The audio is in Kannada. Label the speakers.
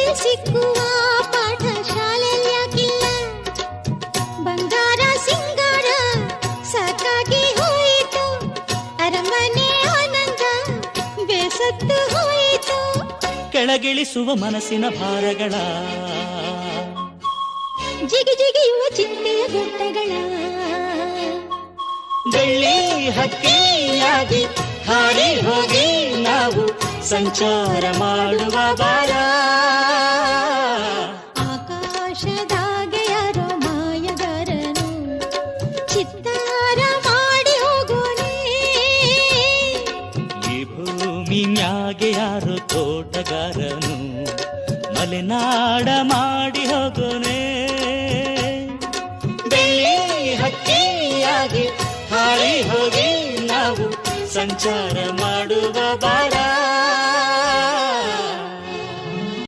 Speaker 1: ಸಿಕ್ಕುವ ಪಾಠ ಶಾಲೆಯಾಗಿಲ್ಲ. ಬಂಗಾರ ಸಿಂಗಾರ ಸಾಕಾಗಿ ಹೋಯಿತು, ಅರಮನೆ ಆನಂದ ಬೇಸತ್ತು ಹೋಯಿತು.
Speaker 2: ಕೆಳಗಿಳಿಸುವ ಮನಸ್ಸಿನ ಭಾರಗಳ,
Speaker 1: ಜಿಗಿ ಜಿಗಿಯುವ ಚಿಂತೆಯ ಗುಡ್ಡಗಳ,
Speaker 2: ಬೆಳ್ಳಿ ಹಕ್ಕಿಯಾಗಿ ಹಾರಿ ಹೋಗಿ ನಾವು ಸಂಚಾರ ಮಾಡುವ ಬಾರ.
Speaker 1: ಆಕಾಶದಾಗೆ ಯಾರೋ ಮಾಯಗಾರನು ಚಿತ್ತಾರ ಮಾಡಿ ಹೋಗೋನೆ.
Speaker 2: ಈ ಭೂಮಿ ಮ್ಯಾಗೆ ಯಾರೋ ತೋಟಗಾರನು ಮಲೆನಾಡ ಮಾಡಿ ಹೋಗೋನೆ. ಬೆಳ್ಳಿ ಹಕ್ಕಿಯಾಗಿ ಹಾರಿ ಹೋಗಿ ನಾವು ಸಂಚಾರ ಮಾಡುವ ಬಾರ.